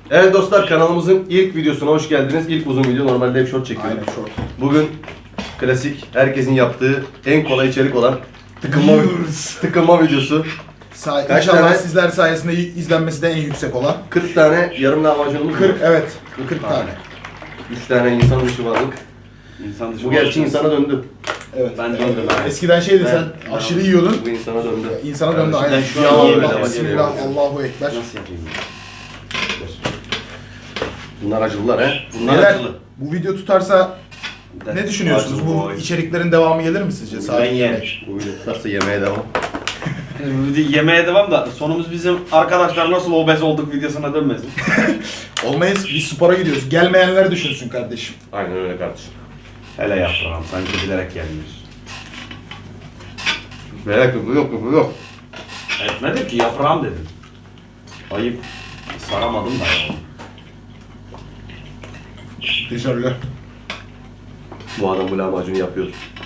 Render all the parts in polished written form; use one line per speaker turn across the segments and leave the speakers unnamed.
Evet dostlar, kanalımızın ilk videosuna hoş geldiniz. İlk uzun video, normalde hep short çekiyorum.
Aynen short.
Bugün klasik, herkesin yaptığı en kolay içerik olan tıkılma videosu. Kaç
İnşallah
tane?
sizler sayesinde izlenmesi de en yüksek olan.
40 tane yarım lahmacunumuz var.
40, evet. 40 tane.
3 tane insan dışı varlık.
İnsan dışı
Bu gerçi insana döndü.
Evet.
Ben döndüm abi.
Eskiden şeydi sen
Ben-
aşırı yiyordun.
Bu insana döndü.
İnsana döndü
Evet,
aynen.
şu an yiyemem.
Allah, Bismillah, Allahu Ekber.
Nasıl yapayım ya?
Bunlar acılılar he. Bunlar
Neler?
acılı.
Bu video tutarsa ne düşünüyorsunuz?
Acılı
Bu
boy.
içeriklerin devamı gelir mi sizce?
Ben
Sadece
yerim.
yemek.
Bu video tutarsa yemeğe devam.
Yemeğe devam da sonumuz bizim arkadaşlar nasıl obez olduk videosuna dönmesin.
Olmayız. Biz spora gidiyoruz. Gelmeyenler düşünsün kardeşim.
Aynen öyle kardeşim.
Hele yaprağım sanki bilerek gelmiyoruz.
Merak yok, yok.
Etmedim ki yaprağım dedim. Ayıp. Saramadım da ya.
Teşekkürler.
Bu adam bu lahmacunu yapıyor.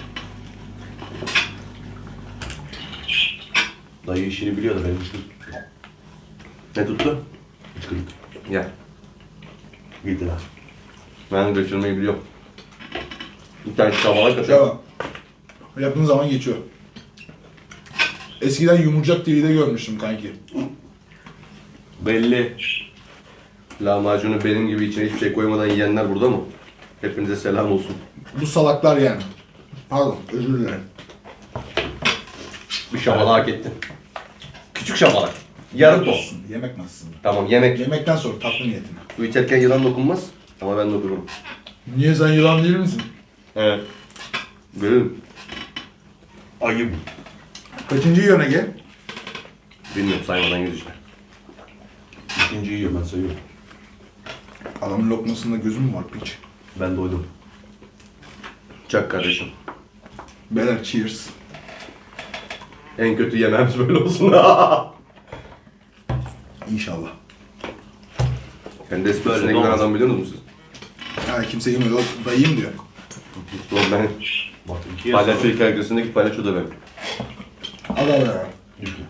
Dayı işini biliyordu benim için.
Ne tuttu?
Hıçkırık.
Gel.
Gittiler.
Ben götürmeyi biliyorum. Bir tane çabalak kaçıyor.
Devam. Yaptığın zaman geçiyor. Eskiden Yumurcak TV'de görmüştüm kanki.
Belli.
Lahmacunu benim gibi içine hiçbir şey koymadan yiyenler burada mı? Hepinize selam olsun.
Bu salaklar yani. Pardon, özür dilerim.
Bir şabalak hak ettin. Küçük şabalak. Yarım toz.
Yemek nasılsın?
Tamam, yemek.
Yemekten sonra tatlı niyetine.
Su içerken yılan dokunmaz ama ben dokunurum.
Niye sen yılan değil misin?
Evet. Görürüm.
Ayıp.
Kaçıncı yiyorsun Ege?
Bilmiyorum, saymadan yüz işte.
İkinciyi yiyorum ben sayıyorum.
Adamın lokmasında gözüm mü var piç?
Ben doydum.
Çak kardeşim.
Beyler cheers.
En kötü yemeğimiz böyle olsun.
İnşallah.
Kendi espresine
Böyle
giden
olmaz.
adam biliyor musunuz siz?
Ha kimse yemiyor. Dayıyım diyor.
Doğru, ben
Bak ikiye
palyaço hikayesindeki palyaço da benim.
Al al ya.
Düşme.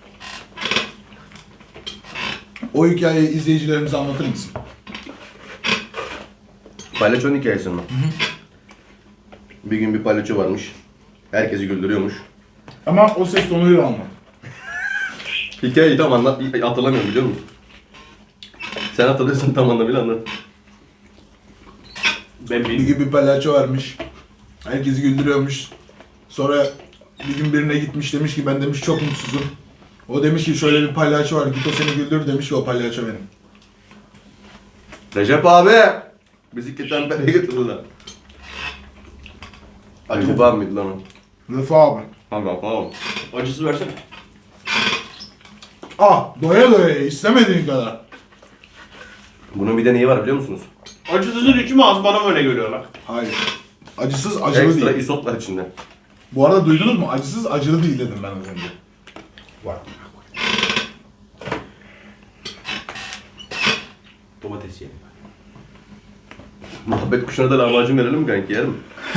O hikayeyi izleyicilerimize anlatır mısın?
Palyaçonun hikayesi mi? Bir gün bir palyaço varmış. Herkesi güldürüyormuş.
Ama o ses tonuyla anlat.
Hikayeyi tam anlat, hatırlamıyorum biliyor musun? Sen hatırlıyorsan tam anlamıyla anlat.
Ben
Bir
bilmiyorum.
gün bir palyaço varmış. Herkesi güldürüyormuş. Sonra bir gün birine gitmiş demiş ki ben demiş çok mutsuzum. O demiş ki şöyle bir palyaço var git o seni güldür demiş ki o palyaço benim.
Recep abi! Bizi tembele getirdiler. Recep abi miydi lan o?
Rıfı abi.
Tamam.
Acısı versene.
Doya doya ye, istemediğin kadar.
Bunun bir de neyi var biliyor musunuz?
Acısızın içi mi az bana böyle görüyorlar.
Hayır. Acısız acılı
Ekstra
değil.
isot var içinde.
Bu arada duydunuz mu? Acısız acılı değil dedim ben az önce.
Var. Domates yiyelim.
Muhabbet kuşuna da lahmacun verelim mi kanki, yer mi?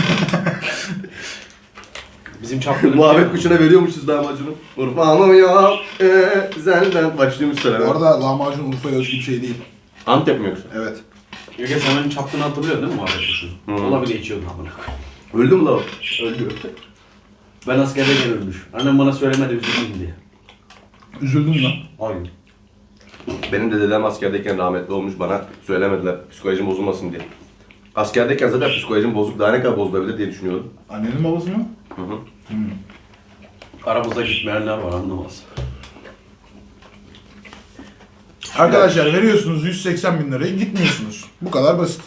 Bizim çapkınlık.
Muhabbet kuşuna veriyormuşuz lahmacunu. Urfa'nım ya, zelden başlıyormuş
Bu
söyleme.
arada lahmacun Urfa'ya özgü bir şey değil.
Antep mi yoksa?
Evet.
Gökhan sen benim çapkını hatırlıyorsun değil mi muhabbet kuşunu?
Hı.
Ola bile içiyordun amına koyayım.
Öldü mü la o? Öldü.
Ben askerdeyken ölmüş. Annem bana söylemedi üzüldüm diye.
Üzüldün lan.
Hayır.
Benim de dedem askerdeyken rahmetli olmuş, bana söylemediler psikolojim bozulmasın diye. Askerdeyken zaten psikolojim bozuk, daha ne kadar bozulabilir diye düşünüyordum.
Annenin babası mı?
Hı hı.
Aramızda gitmeyenler var anlamaz.
Arkadaşlar veriyorsunuz 180 bin lirayı gitmiyorsunuz. Bu kadar basit.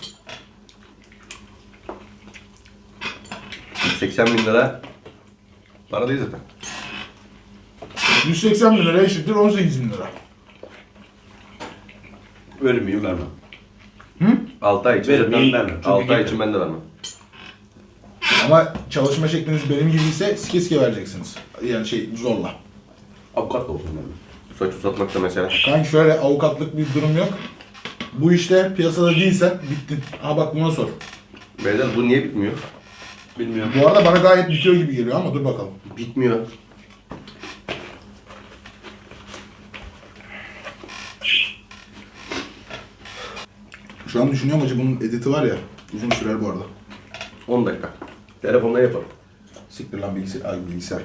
80 bin lira para değil zaten.
180 bin lira eşittir 18 bin lira.
Vermeyeyim vermem.
6 ay için
Verim,
zaten,
vermem. Çünkü
6 ay
gitmem.
için ben de vermem.
Ama çalışma şekliniz benim gibi ise sike sike vereceksiniz. Yani zorla.
Avukat da olsun benim.
Saç uzatmak da mesela.
Kanka şöyle avukatlık bir durum yok. Bu işte piyasada değilsen bittin. Aha bak buna sor.
Beyler bu niye bitmiyor?
Bilmiyorum.
Bu arada bana gayet bitiyor gibi geliyor ama dur bakalım.
Bitmiyor.
Şu an düşünüyorum acı bunun editi var ya. Uzun sürer bu arada.
10 dakika. Telefonla yapalım.
Siktir lan bilgisayar. Ay bilgisayar.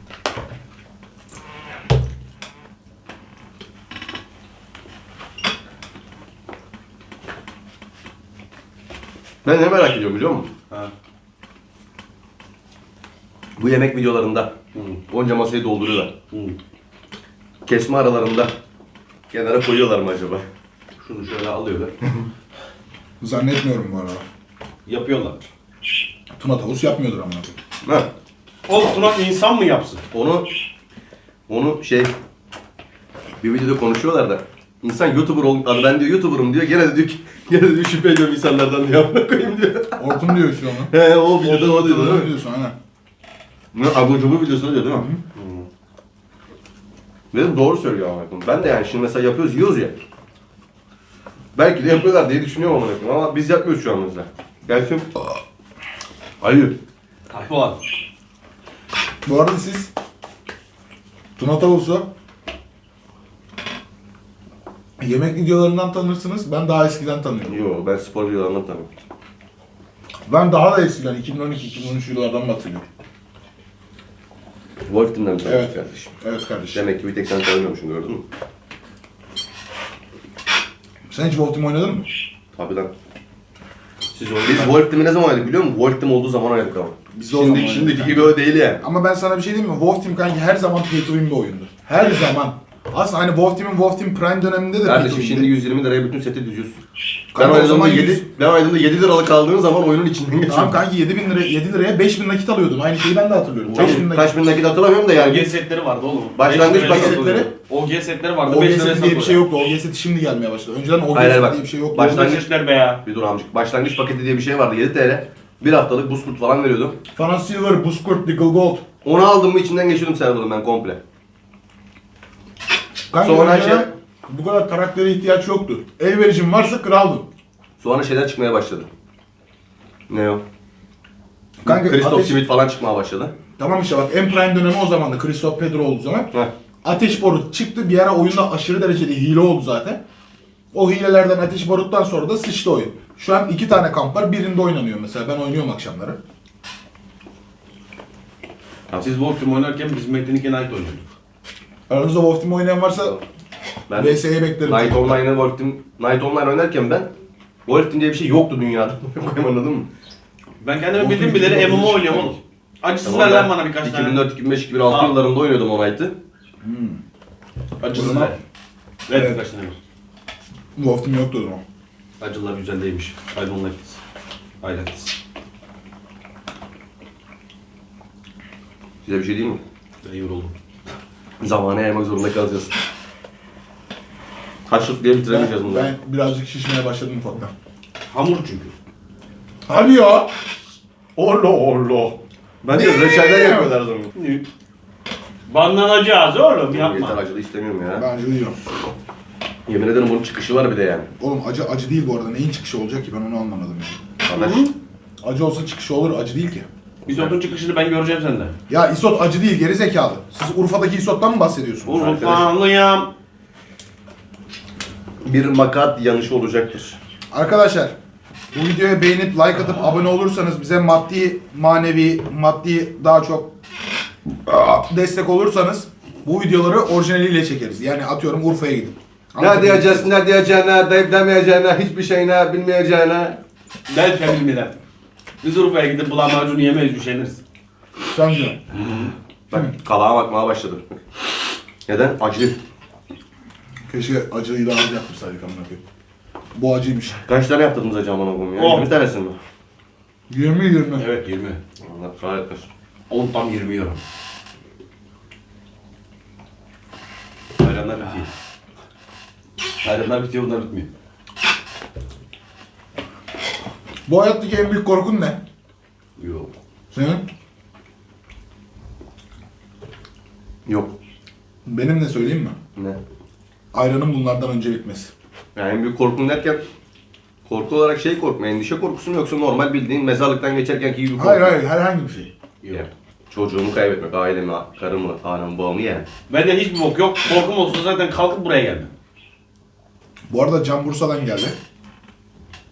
Ben ne merak ediyorum biliyor musun?
Ha.
Bu yemek videolarında
Hı.
onca masayı dolduruyorlar.
Hı.
Kesme aralarında kenara koyuyorlar mı acaba? Şunu şöyle alıyorlar.
Zannetmiyorum bu arada.
Yapıyorlar.
Tuna tavus yapmıyordur ama.
Ha,
Oğlum Tuna insan mı yapsın?
onu bir videoda konuşuyorlar da insan YouTuber olmadı. Ben diyor YouTuber'ım diyor. Gene de diyor şüphe ediyorum insanlardan diyor. Amına koyayım diyor.
Orkun diyor şu an.
He o videoda o diyor değil mi?
diyorsun aynen.
Ne abur cubur videosunu diyor değil mi? Dedim doğru söylüyor amına koyayım. Ben de yani şimdi mesela yapıyoruz, yiyoruz ya. Belki de yapıyorlar diye düşünüyorum amına koyayım ama biz yapmıyoruz şu an mesela. Gerçi ayıp.
Hayvan.
Bu arada siz Tuna tavusu yemek videolarından tanırsınız. Ben daha eskiden tanıyorum.
Yo ben spor videolarından tanıyorum.
Ben daha da eskiden 2012-2013 yıllardan bahsediyorum.
Wolf Team'den mi tanıyorsun
Evet.
kardeşim?
Evet kardeşim.
Demek ki bir tek sen tanımıyormuşsun gördün mü?
Sen hiç Wolf Team oynadın mı?
Tabii lan. Biz Wolf Team'i ne zaman oynadık biliyor musun? Wolf Team olduğu zaman oynadık ama.
Biz de o zaman
Şimdiki
oynadık.
gibi öyle değil yani.
Ama ben sana bir şey diyeyim mi? Wolf Team kanki her zaman pay to win bir oyundu. Her zaman. Aslında hani Wolf Team Prime döneminde de pay to
Kardeşim
win'di.
şimdi 120 liraya bütün seti düzüyorsun.
Kanka, o zaman 100
ben oynadığımda 7 liralık aldığın zaman oyunun içinden
Tamam
geçiyordun.
kanki 7 liraya 5000 nakit alıyordum. Aynı şeyi ben de hatırlıyorum. 5000 nakit.
Kaç bin nakit hatırlamıyorum da
OG
yani.
setleri vardı oğlum.
Başlangıç
Beş liraya
paketi.
satılıyor. OG setleri vardı.
OG
5 liraya
seti diye bir şey
satılıyor.
yoktu. OG seti şimdi gelmeye başladı. Önceden OG
Hayır,
seti
bak.
diye bir şey yoktu.
Başlangıç-
OG setler be ya.
Bir dur amcık. Başlangıç paketi diye bir şey vardı 7 TL. Bir haftalık buz kurt falan veriyordu.
Fana Silver, Buzkurt, Deagle Gold.
Onu aldım mı içinden geçiyordum server'ın ben komple.
Kanka
Sonra
önceden
şey-
bu kadar karaktere ihtiyaç yoktu. Elverişin varsa kraldın.
Sonra şeyler çıkmaya başladı. Ne o?
Kanka
Christoph
ateş...
Smith falan çıkmaya başladı.
Tamam işte bak en prime dönemi o zamandı. Christoph Pedro olduğu zaman.
Heh.
Ateş barut çıktı. Bir ara oyunda aşırı derecede hile oldu zaten. O hilelerden ateş baruttan sonra da sıçtı oyun. Şu an 2 tane kamp var. Birinde oynanıyor mesela. Ben oynuyorum akşamları.
Siz Wolf Team oynarken biz Metin 2 Night oynuyorduk.
Aranızda Wolf Team oynayan varsa
Ben
VS'ye beklerim.
Night Online'ı Wolf Team, Night Online oynarken ben Wolf Team diye bir şey yoktu dünyada. Anladın mı?
Ben kendimi
Wolf
bildim
Team
bileli
iki
MMO
oyun
oynuyorum
çıktı.
oğlum. Acısız
Tamam,
ver lan
ben
bana birkaç tane.
2004, 2005, 2006
Aa.
yıllarında oynuyordum o Night'ı.
Acısız
O
ver.
zaman-
Ver
Evet.
birkaç tane ver.
Wolf Team yoktu o zaman.
Acılar güzel değilmiş. Hayvanlar gitsin. Hayret.
Size bir şey diyeyim mi?
Ben yoruldum.
Zamana yaymak zorunda kalacağız. Haşlık diye bitiremeyeceğiz bunu.
Ben birazcık şişmeye başladım ufaktan.
Hamur çünkü.
Hadi ya.
Allah Allah. Bence reçeller yapıyorlar o zaman.
Banlanacağız oğlum yapma.
Yeter acılı istemiyorum ya.
Ben acı yiyorum.
Yemin ederim bunun çıkışı var bir de yani.
Oğlum acı değil bu arada. Neyin çıkışı olacak ki ben onu anlamadım yani.
Arkadaş.
Acı olsa çıkışı olur, acı değil ki.
İzotun çıkışını ben göreceğim sende.
Ya isot acı değil, geri zekalı. Siz Urfa'daki isottan mı bahsediyorsunuz?
Urfalıyım.
Bir makat yanışı olacaktır.
Arkadaşlar, bu videoya beğenip like atıp abone olursanız bize maddi, manevi, daha çok destek olursanız bu videoları orijinaliyle çekeriz. Yani atıyorum Urfa'ya gidip.
Ne diyeceksin, ne diyeceğine, deyip demeyeceğine, hiçbir şeyine, bilmeyeceğine.
Belki bilmeden. Biz Urfa'ya gidip lahmacun yemeyiz, üşeniriz.
Sen diyorsun.
Bak kalağa bakmaya başladım. Neden? Acı.
Keşke acıyı daha az yapmışsaydık amına koyayım. Bu acıymış.
Kaç tane yaptınız acaba aman oğlum ya?
10.
20 tanesi mi?
20.
Evet 20.
Allah kahretmesin.
10 tam 20 euro. Hayranlar bitiyor. Hayranlar bitiyor, bunlar bitmiyor.
Bu hayattaki en büyük korkun ne?
Yok.
Senin?
Yok.
Benim ne söyleyeyim mi?
Ne?
Ayranın bunlardan önce bitmesi.
Yani en büyük korkun derken korku olarak şey korkma, endişe korkusu mu yoksa normal bildiğin mezarlıktan geçerkenki gibi korku?
Hayır herhangi bir şey.
Yok.
Yani çocuğumu kaybetmek, ailemi, karımı, anamı, babamı yani.
Bende hiçbir bok yok. Korkum olsa zaten kalkıp buraya gelmem.
Bu arada Can Bursa'dan geldi.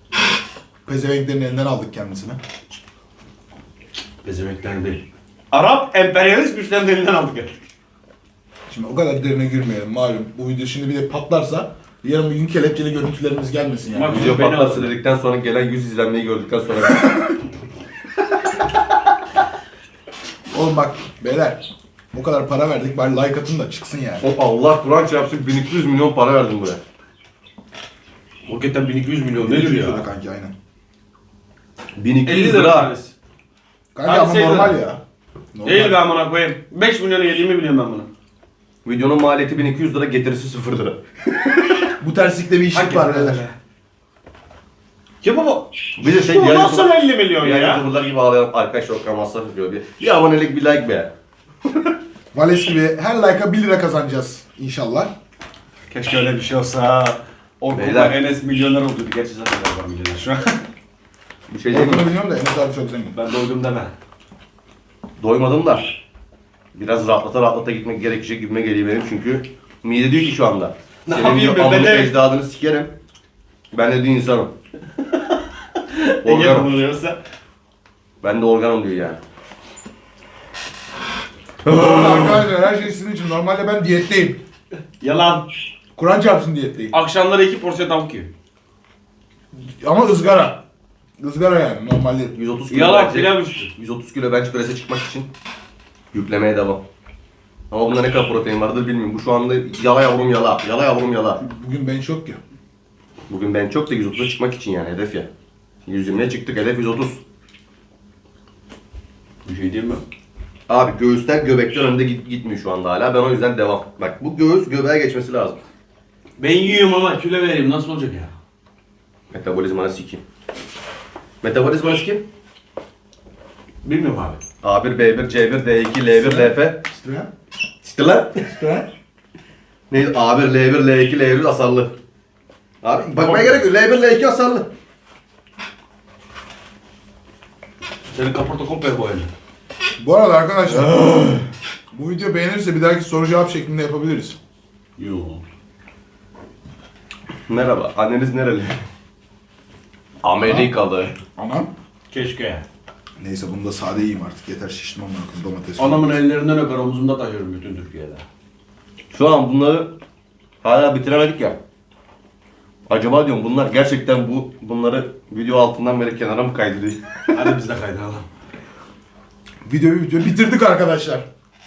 Pezevenklerin elinden aldık kendisini.
Bezemekten değil. Arap emperyalist güçlerin elinden aldık ya.
Şimdi o kadar derine girmeyelim malum. Bu video şimdi bir de patlarsa yarın bir gün kelepçeli görüntülerimiz gelmesin yani.
Bak,
Video
beni
patlarsa
aldı.
dedikten sonra gelen 100 izlenmeyi gördükten sonra
Oğlum bak beyler o kadar para verdik bari like atın da çıksın yani.
o Allah Kur'an çarpsın 1200 milyon para verdim buraya.
Hakikaten 1200 milyon nedir
200
ya?
lira kanki aynen.
1200
50 lira
lira.
tanesi.
Kanki
Abi
ama
şey
normal
lira.
ya. Normal.
Değil be amına koyayım. 5 milyonu yediğimi biliyorum ben bunu.
Videonun maliyeti 1200 lira, getirisi 0 lira.
Bu terslikte bir işlik var beyler.
Ki baba.
Bir de şey
Bu
diğer
nasıl 50 milyon
diğer
ya?
YouTuber'lar gibi ağlayan arkadaş yok masraf yapıyor. Bir abonelik bir like be.
Vales gibi her like'a 1 lira kazanacağız inşallah.
Keşke öyle bir şey olsa.
Beyler.
Orkun'la Enes milyoner oldu. Gerçi zaten ben var milyoner şu an.
Bir şey diyeyim
Orkun'u
mi?
biliyorum da Enes abi çok zengin.
Ben doydum deme.
Doymadım da. Biraz rahatlata gitmek gerekecek gibime geliyor benim çünkü mide diyor ki şu anda.
Ne
Senin
yapayım
diyor
be,
amını
bedel-
ecdadını sikerim. Ben de diyor insanım.
Ege
Organım.
buluyorsa.
Ben de organım diyor yani.
Arkadaşlar her şey sizin için. Normalde ben diyetteyim.
Yalan.
Kur'an çarpsın diyetteyim.
Akşamları 2 porsiyon tavuk yiyor.
Ama ızgara. Izgara yani normalde.
130 kilo
Yalan
bench-
pilav üstü.
130 kilo bench press'e çıkmak için yüklemeye devam. Ama bunda ne kadar protein vardır bilmiyorum. Bu şu anda yala yavrum yala. Yala yavrum yala.
Bugün bench yok ki.
Bugün ben çok da 130'a çıkmak için yani hedef ya. 120'ye çıktık hedef 130.
Bir şey diyeyim mi?
Abi göğüsler göbekten önde gitmiyor şu anda hala. Ben o yüzden devam. Bak bu göğüs göbeğe geçmesi lazım.
Ben yiyorum ama kilo vereyim nasıl olacak ya?
Metabolizmanı sikeyim. Metabolizmanı sikeyim.
Bilmiyorum abi.
A1, B1, C1, D2, L1, LF.
İşte.
İşte lan.
İşte.
Neydi? A1, L1, L2, L1 asarlı. Abi bakmaya gerek yok. L1, L2 asarlı.
Senin kaporta komple boyalı.
Bu arada arkadaşlar bu video beğenirse bir dahaki soru cevap şeklinde yapabiliriz.
Yo.
Merhaba. Anneniz nereli? Amerikalı.
Ama
Keşke.
neyse bunu da sade yiyeyim artık. Yeter şiştim amına koyayım domates.
Anamın ellerinden öper omzumda taşıyorum bütün Türkiye'de.
Şu an bunları hala bitiremedik ya. Acaba diyorum bunlar gerçekten bunları video altından böyle kenara mı kaydırıyor?
Hadi biz de kaydıralım.
Videoyu bitirdik arkadaşlar.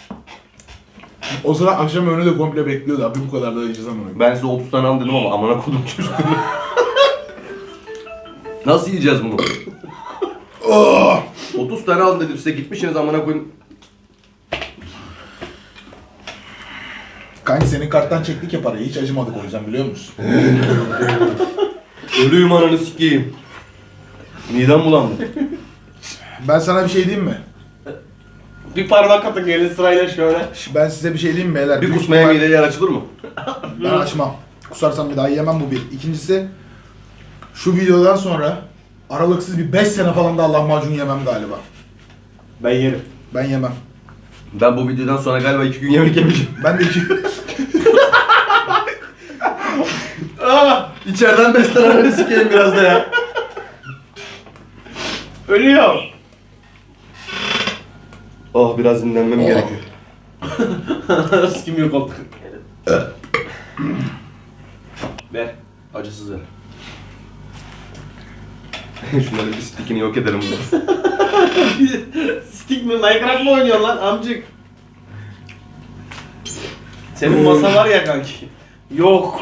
O sıra akşam önü de komple bekliyordu. Abi bu kadar da yiyeceğiz amına koyayım.
Ben size 30 tane al dedim ama amına kodum çocukları. Nasıl yiyeceğiz bunu?
Oh!
30 tane al dedim size gitmişsiniz amına koyayım.
Kanki senin karttan çektik ya parayı. Hiç acımadık o yüzden biliyor musun?
Ölüyüm ananı sikeyim. Midem bulandı.
Ben sana bir şey diyeyim mi?
Bir parmak atın gelin sırayla şöyle.
Ben size bir şey diyeyim mi beyler?
Bir
Büyük
kusmaya
ihtimal-
mideye yer açılır mı?
Ben açmam. Kusarsam bir daha yemem bu bir. İkincisi şu videodan sonra aralıksız bir 5 sene falan da lahmacun yemem galiba.
Ben yerim.
Ben yemem.
Ben bu videodan sonra galiba 2 gün yemek yemeyeceğim.
Ben de iki...
İçeriden beslenenleri sikeyim biraz da ya.
Ölüyor.
Oh biraz dinlenmem gerekiyor.
Kim yok oldu. Ver. Acısız ver.
Şunların bir stickini yok edelim bunu.
Stick mi? Minecraft mı oynuyorsun lan amcık? Senin masa var ya kanki. Yok.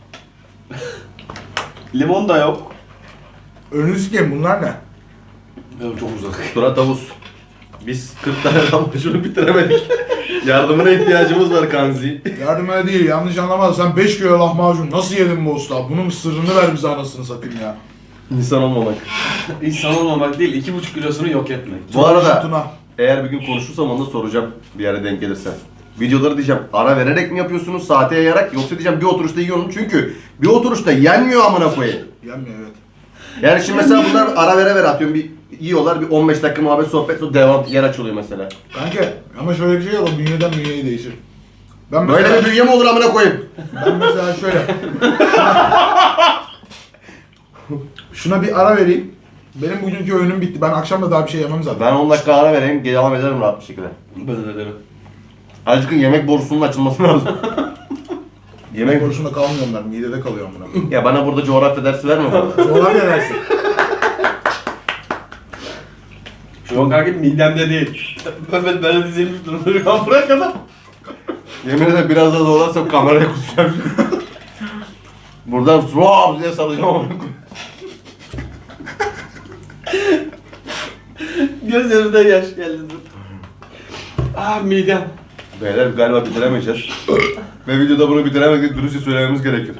Limon da yok.
Önünü sikeyim bunlar ne?
Benim çok uzak.
Tura tavus. Biz 40 tane lahmacunu bitiremedik. Yardımına ihtiyacımız var Kanzi.
Yardım öyle değil yanlış anlamaz. Sen 5 kilo lahmacun nasıl yedin bu usta? Bunun sırrını ver bize anasını satayım ya.
İnsan olmamak.
İnsan olmamak değil, 2,5 kilosunu yok etmek.
Bu arada
Tuna.
eğer bir gün konuşursam onu da soracağım bir yere denk gelirse. Videoları diyeceğim ara vererek mi yapıyorsunuz saate yayarak yoksa diyeceğim bir oturuşta yiyorum çünkü bir oturuşta yenmiyor amına koyayım.
Yenmiyor evet.
Yani şimdi mesela bunlar ara vere atıyorum bir yiyorlar bir 15 dakika muhabbet sohbet sonra devam yer açılıyor mesela.
Kanka ama şöyle bir şey var o bünyeden bünyeye değişir. Ben mesela,
Böyle bir bünye mi olur amına koyayım?
ben mesela şöyle. Şuna bir ara vereyim. Benim bugünkü öğünüm bitti. Ben akşam da daha bir şey yemem zaten.
Ben 10 dakika ara vereyim, devam ederim rahat bir şekilde.
Ben de derim.
Azıcık yemek borusunun açılması lazım.
Yemek borusunda kalmıyor onlar. Midede kalıyor amına.
Ya bana burada coğrafya dersi verme bana.
Coğrafya dersi.
Şu an kanka midemde değil. Ben de dizilmiş durumda. Bırak adam.
Yemin ederim biraz daha zorlarsam kameraya kusacağım. Buradan swap diye salacağım ama.
Gözlerimden yaş geldi. Ah midem.
Beyler galiba bitiremeyeceğiz. Ve videoda bunu bitiremedik, dürüstçe söylememiz gerekir.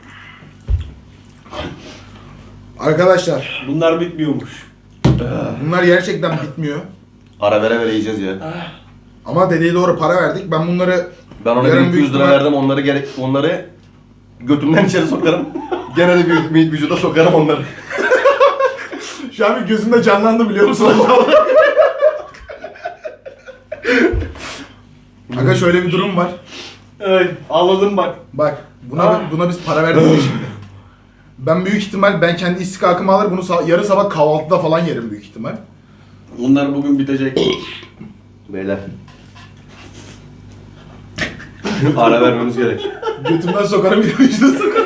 Arkadaşlar
Bunlar bitmiyormuş.
bunlar gerçekten bitmiyor.
Ara vere vere yiyeceğiz ya.
Ama dediği doğru para verdik. Ben bunları
Ben ona
yarın
1200
büyük
lira
ihtimal-
verdim, onları götümden içeri sokarım. Gene de bir vücuda sokarım onları.
Şu an bir gözümde canlandı biliyor musun? Aga şöyle bir durum var.
Ay ağladım bak.
Bak buna biz para verdik ya şimdi. Ben büyük ihtimal ben kendi istikakımı alır bunu yarın sabah kahvaltıda falan yerim büyük ihtimal.
Bunlar bugün bitecek.
Beyler. Ara vermemiz gerek.
Götümden sokarım bir de vücuda sokarım.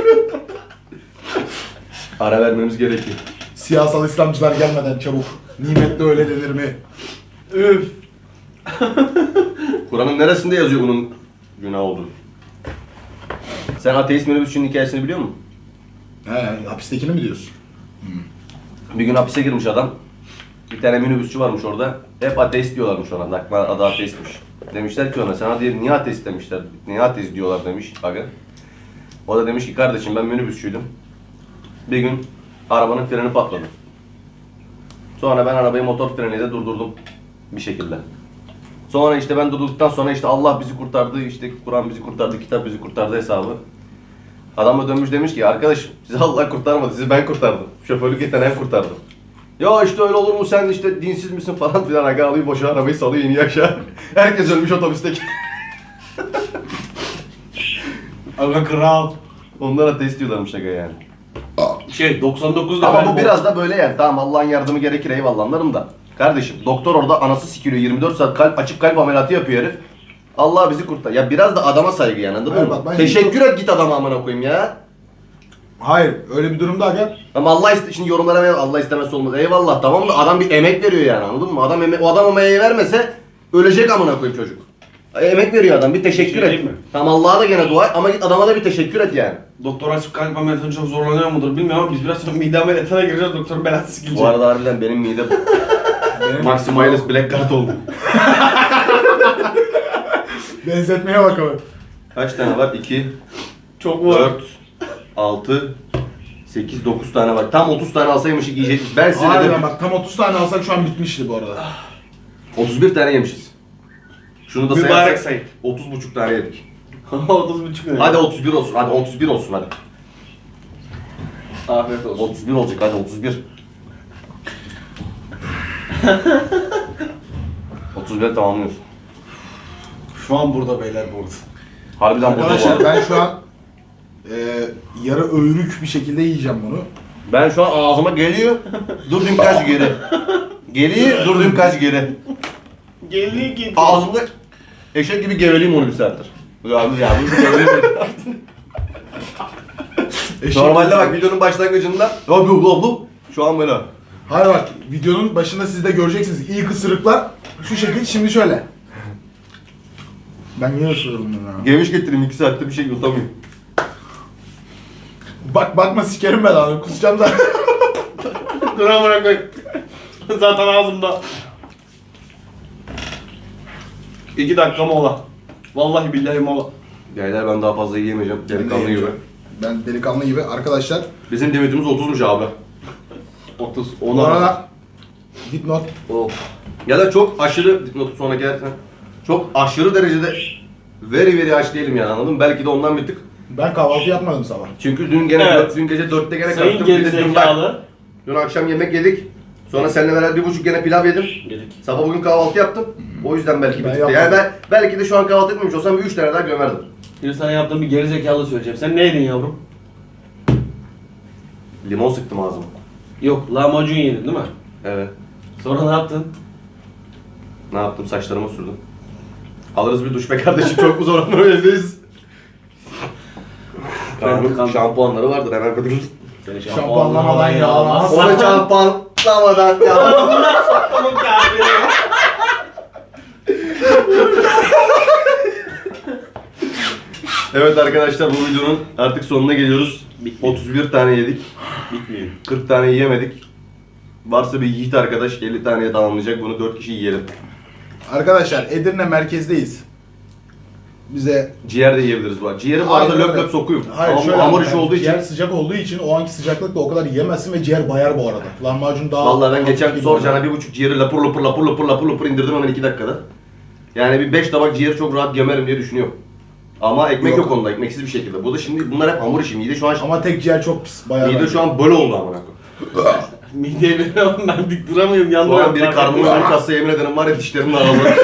Ara vermemiz gerekiyor.
Siyasal İslamcılar gelmeden çabuk. Nimetli öyle denir mi?
Üf.
Kur'an'ın neresinde yazıyor bunun günah olduğunu? Sen ateist minibüsçünün hikayesini biliyor musun?
He, hapistekini mi diyorsun?
Bir gün hapise girmiş adam. Bir tane minibüsçü varmış orada. Hep ateist diyorlarmış ona. Lakman adı ateistmiş. Demişler ki ona, sana diye niye ateist demişler. Niye ateist diyorlar demiş. Bakın. O da demiş ki kardeşim ben minibüsçüydüm. Bir gün arabanın freni patladı. Sonra ben arabayı motor freniyle durdurdum. Bir şekilde. Sonra işte ben durdurduktan sonra işte Allah bizi kurtardı, işte Kur'an bizi kurtardı, kitap bizi kurtardı hesabı. Adam da dönmüş demiş ki arkadaş sizi Allah kurtarmadı, sizi ben kurtardım. Şoförlük yeteneğim kurtardı. Ya işte öyle olur mu sen işte dinsiz misin falan filan. Aga alıyor boşa arabayı salıyor iniyor aşağı. Herkes ölmüş otobüsteki.
Aga kral.
Onlara ateist diyorlarmış aga yani.
99'da
Ama
ben
bu biraz da böyle yani. Tamam Allah'ın yardımı gerekir eyvallah anlarım da. Kardeşim doktor orada anası sikiliyor 24 saat açık kalp ameliyatı yapıyor herif. Allah bizi kurtar. Ya biraz da adama saygı yani anladın
Hayır,
mı?
bak ben
Teşekkür et git adama amına koyayım ya.
Hayır, öyle bir durumda aga.
Ama şimdi yorumlara ver Allah istemezse olmaz. Eyvallah tamam da adam bir emek veriyor yani anladın mı? O adam emeği vermese ölecek amına koyayım çocuk. Emek veriyor adam bir teşekkür
Bir şey
et.
diyeyim mi?
Tamam Allah'a da gene dua et ama git adama da bir teşekkür et yani.
Doktor açıp kalp ameliyatını çok zorlanıyor mudur bilmiyorum ama biz biraz sonra mide ameliyatına gireceğiz doktorun belası sikilecek.
Bu arada harbiden benim mide Maximalis Black Card oldu.
Benzetmeye bak ama.
Kaç tane var? 2,
Çok var.
4, 6, 8, 9 tane var. Tam 30 tane alsaymışık yiyecekmiş. Ben size
Harbiden
dedim.
bak tam 30 tane alsak şu an bitmişti bu arada.
31 tane yemişiz. Şunu da
Mübarek
sayarsak
sayın.
30,5 tane yedik.
30,5 lira.
Hadi 31 olsun. Hadi 31 olsun hadi.
Afiyet olsun.
31 olacak hadi 31. 31 tamamlıyorsun.
Şu an burada beyler burada.
Harbiden burada bu
Arkadaşlar
arada.
ben şu an yarı öğürük bir şekilde yiyeceğim bunu.
Ben şu an ağzıma geliyor. Durdum kaç geri. Geliyor durdum kaç geri.
Geliyor gidiyor.
Ağzımda eşek gibi geveleyim onu bir saattir. Ya bu geveleyim. Normalde bak videonun başlangıcında şu an böyle.
Hayır bak videonun başında siz de göreceksiniz. İlk ısırıklar şu şekil şimdi şöyle. Ben niye ısırıyorum bunu ya?
Geviş getireyim 2 saatte bir şey yutamıyorum.
Bakma sikerim ben abi kusacağım zaten.
Dur amına koy. Zaten ağzımda. 2 dakika mola. Vallahi billahi mola.
Beyler ben daha fazla yiyemeyeceğim. Delikanlı gibi.
Ben delikanlı gibi arkadaşlar.
Bizim limitimiz 30'muş abi.
30.
Bu arada dipnot.
Of. Ya da çok aşırı dipnotu sonra gelirsen. Çok aşırı derecede very aç değilim yani anladın mı? Belki de ondan bir tık.
Ben kahvaltı yapmadım sabah.
Çünkü dün gene
Evet.
dün gece 4'te gene
Sayın
kalktım. Bir de dün bak.
gerizekalı.
Dün akşam yemek yedik. Sonra seninle beraber 1,5 gene pilav yedim.
Yedik.
Sabah bugün kahvaltı yaptım. O yüzden belki bir
Ben
tık.
yapmadım.
Yani ben belki de şu an kahvaltı etmemiş olsam bir 3 tane daha gömerdim.
Bir sana yaptığım bir gerizekalı söyleyeceğim. Sen neydin yavrum?
Limon sıktım ağzıma.
Yok, lahmacun yedin değil mi?
Evet.
Sonra ne yaptın?
Ne yaptım? Saçlarıma sürdüm. Alırız bir duş be kardeşim. Çok mu zor onlar evdeyiz? Kaan'ın şampuanları vardır hemen kadın.
Seni
Şampuanlamadan yağlamaz.
Onu şampuanlamadan ya. Evet arkadaşlar bu videonun artık sonuna geliyoruz. 31 tane yedik.
Bitmiyor.
40 tane yiyemedik. Varsa bir yiğit arkadaş 50 taneye tamamlayacak bunu 4 kişi yiyelim.
Arkadaşlar Edirne merkezdeyiz. Bize
Ciğer de yiyebiliriz bu arada. Ciğeri bu arada
Aynen
löp
öyle.
löp sokuyum.
Hayır,
Ama
şöyle
hamur
abi,
işi olduğu için.
ciğer sıcak olduğu için o anki sıcaklıkla o kadar yiyemezsin ve ciğer bayar bu arada. Lahmacun daha...
Vallahi ben geçen
hafif
soracağına
gibi.
1,5 ciğeri lapur indirdim hemen 2 dakikada. Yani bir 5 tabak ciğeri çok rahat gömerim diye düşünüyorum. Ama ekmek yok onda, ekmeksiz bir şekilde. Bu da şimdi bunlar hep hamur işi. Mide şu an
Ama tek ciğer çok pis. Bayar
mide
bence.
şu an böyle oldu amına koyayım.
Mideye veriyorum ben dik duramıyorum
Şu
yandım.
an biri karnımı önü kassa yemin ederim var ya dişlerimin araları.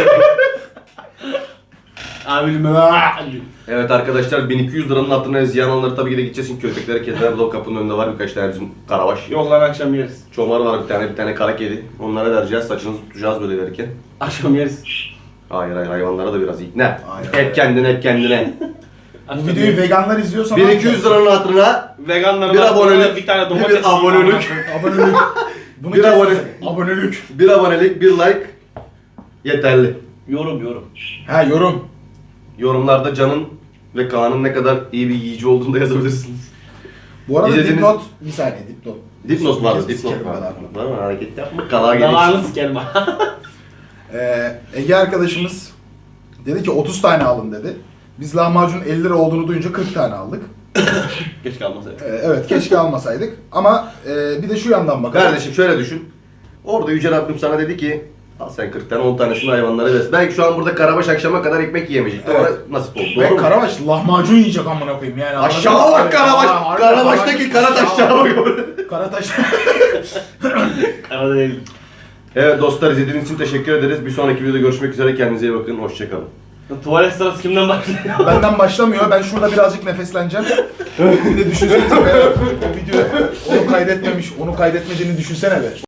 Amirim
Evet arkadaşlar 1200 liranın hatırına ziyan olanları tabii ki de gideceğiz çünkü köpeklere kediler burada kapının önünde var birkaç tane bizim karabaş.
Yok lan akşam yeriz.
Çomar var bir tane kara kedi. Onlara vereceğiz saçınızı tutacağız böyle verirken.
Akşam yeriz.
Hayır hayvanlara da biraz ikna.
Aynen.
Hep kendine.
Bu videoyu veganlar izliyorsa...
1200 liranın hatırına
Veganlara
Bir abonelik,
bir tane
bir
domates
abonelik.
Abonelik. Bunu
Bir
kes-
abone-
Abonelik.
bir abonelik, bir like yeterli.
Yorum.
Ha yorum.
Yorumlarda Can'ın ve Kaan'ın ne kadar iyi bir yiyici olduğunu da yazabilirsiniz.
Bu arada
İzlediğiniz-
dipnot... Bir saniye dipnot.
Dipnot vardı,
Kes-
dipnot
sikerim
vardı.
ben abi.
Var mı? Hareket yapma, kalağa geliş.
Dalağını sikerim ha.
Ege arkadaşımız dedi ki 30 tane alın dedi. Biz lahmacun 50 lira olduğunu duyunca 40 tane aldık.
Geç kalmasaydı.
Evet keşke almasaydık. Ama bir de şu yandan bakalım.
Kardeşim şöyle düşün. Orada Yüce Rabbim sana dedi ki al sen 40 tane 10 tanesini hayvanlara ver. Belki şu an burada Karabaş akşama kadar ekmek yiyemeyecekti.
Evet.
Ona nasip oldu.
Ve
Doğru mu?
Karabaş lahmacun yiyecek amına koyayım yani.
Aşağı
anladın mı?
bak Karabaş.
Aa, harbi
Karabaş'taki Karataş'ta bak.
Karataş.
Arada değil.
Evet dostlar izlediğiniz için teşekkür ederiz. Bir sonraki videoda görüşmek üzere. Kendinize iyi bakın. Hoşçakalın.
Tuvalet sırası kimden başlıyor?
Benden başlamıyor. Ben şurada birazcık nefesleneceğim. Bir de düşünsenize be. O video onu kaydetmediğini düşünsene be.